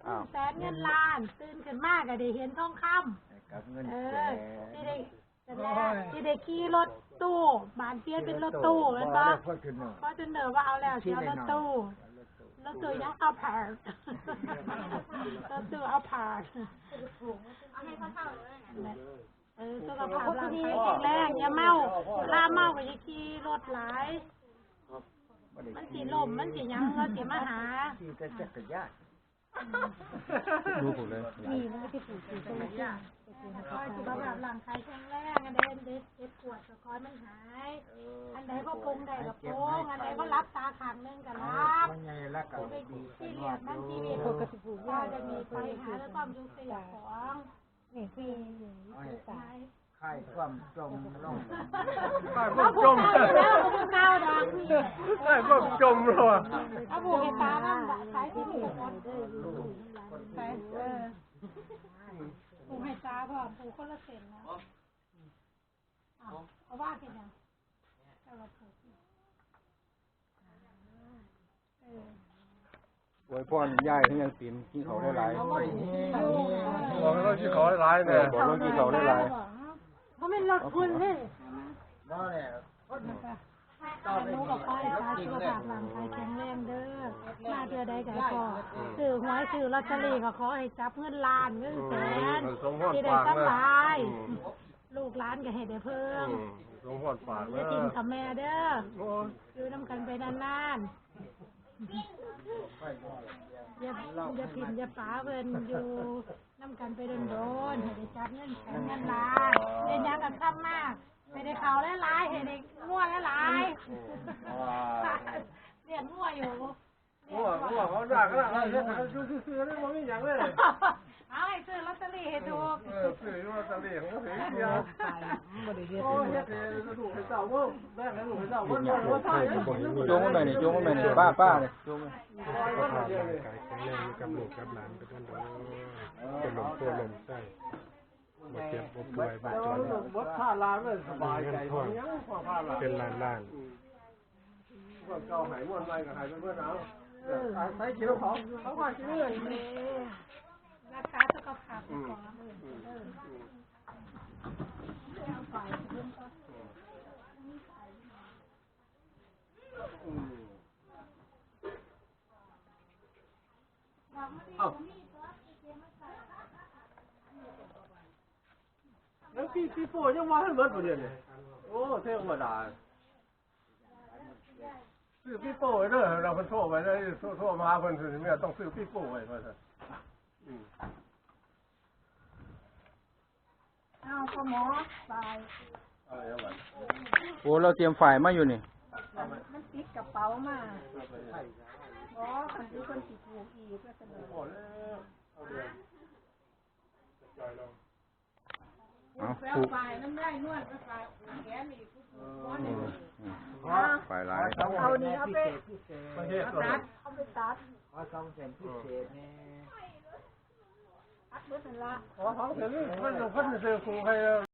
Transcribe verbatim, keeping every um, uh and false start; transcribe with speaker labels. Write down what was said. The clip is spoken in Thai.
Speaker 1: แสนเงินล้านตื่นขึ้นมากก็ได้เห็นทองคำ
Speaker 2: กับเงิน
Speaker 1: เอ
Speaker 2: แส
Speaker 1: อน ที่ได้ที่ได้ขี่รถตู้บานเปลี่ยนเป็นรถตู้แม่นบ่เพราะจนเนอว่าเอาแล้วเดี๋ยวรถตู้รถตู้ยังเอาผ่านรถตู้เอาผ่านเอาให้เขาเท่าเลยเออสุขภาพร่างกายแข็งแรงอย่าเมาลาเมาก็อย่าขี่รถหลายมันสิลมมันสิยังมันสิมาหา
Speaker 2: ขี่แต่จักรยาน
Speaker 3: ดูผมเลย
Speaker 1: นี่มันไม่ใช่ปู่ปู่จักรยานคอยสุขภาพร่างกายแข็งแรงอันใดอันเด็ดเด็ดปวดก็คอยมันหายอันใดก็ปรุงได้ก็ปรุงอันใดก็รับตาข้างนึงก็รับ
Speaker 2: มันใหญ่แล้วก็ดี
Speaker 1: ที่เรียนมันที่เรียนก็จะมีไปหาแล้วความยุ่งเสียของนี่คือ
Speaker 2: ค่ายความจมลง
Speaker 1: ค่ายความจมแล้วมันเก้าดัง
Speaker 3: ค่ายความจมเลยว่ะ
Speaker 1: เอาผูกให้ตาบ้างสายที่ผูกก่อนสายเออผูกให้ตาพ่อผูกคนละเส้นนะเอาเอาว่ากันยังเอาเราผูก
Speaker 3: โวยพ่อย่ายที่ยังตีนที่เขาได้หลายบอก
Speaker 1: เรา
Speaker 3: ที่เขาได้หลายเนี่ยบอกเราที่เขาได้หลาย
Speaker 1: เขาไม่ลดคุณเลย
Speaker 2: บ่แหละ
Speaker 1: ลูกกับพ่อให้ตาสุขภาพร่างกายแข็งแรงเด้อมาเดือใดก็พอซื้อหวยซื้อลอตเตอรี่ก็ขอให้จับเงินล้านเงินแสนที่ได้สบายลูกหลานก็ให้ได้เพิ่ม
Speaker 3: สงหดฝาก
Speaker 1: จะกินกับแม่เด้ออยู่น้ำกันไปนานๆอย่าอย่าผิดอย่าป๋าเพิ่นอยู่น้ำกันไปโดนๆให้ได้จับเงินแสนเงินล้านเรียนยังกันซ้ำมากให้ได้เขาหลายๆให้ได้ง่วงหลายๆเรียนง่วงอยู่
Speaker 3: ง่วงง่วงเขาด่าก็ด่าเขาซื้อซื้อได้บ่มีหยังเลย
Speaker 1: เอาให้ซื้อลอตเตอรี่ให้ถูก
Speaker 3: เออซื้อลอตเตอรี่ของเขาเสียเดียวโอ้ยเฮ็ดให้ถูกให้เจ้าบ่แบ่งให้ถูกให้เจ้าบ่บ่ใช่โจงมานี่โจงมานี่ป้าป้านี่โจงมา
Speaker 4: แข็งแรงกับลูกกับหลานไปด้วยเป็นลมตัวลมใช่บ่เจ็บบ่ป่วยบ่จน
Speaker 3: บ่ท่าลานเลยสบายใจยังพอพาลาน
Speaker 4: เป็นล้านล้าน
Speaker 3: พวกเจ้าหายม่วนไปก็หายเพิ่นเอาเออใส่กินของเขาว่ากินเลย
Speaker 1: รักษาสุขภาพก่อนเออเอาไปเพิ่นก็
Speaker 3: เอ้าแล้วพี่พี่โป้ยังมาให้หมดบ่เดี๋ยวนี้โอ้เท่ธรรมดาซื้อพี่โป้ไว้เด้อเราเพิ่นโทรไปได้โทรมาเพิ่นสิแม่ต้องซื้อพี่โป้ไว้ว่าซั่นอืม
Speaker 1: เอาพ่อหมอไป
Speaker 3: เอาอย่างนั้น
Speaker 2: โอ้เราเตรียมฝ่ายมาอยู่นี่
Speaker 1: มันติดกระเป๋ามาอ๋อคันที่คนสิถูกอีกก็เสนอ
Speaker 3: พอแล้วเอาเดี๋ยวใจเรา
Speaker 1: เอาผูกไปน้ำได้นวดก็ไปแขนอีก
Speaker 2: ฝ่ายหลาย
Speaker 1: เอานี่เอาไป
Speaker 3: ตัด
Speaker 1: เอาไปตัด
Speaker 2: ขอสองเส้นพิเศษนี่
Speaker 1: ตัดเบิดนั่นละ
Speaker 3: ขอสองเส้นนี่เพิ่นเพิ่นซื้อครูให้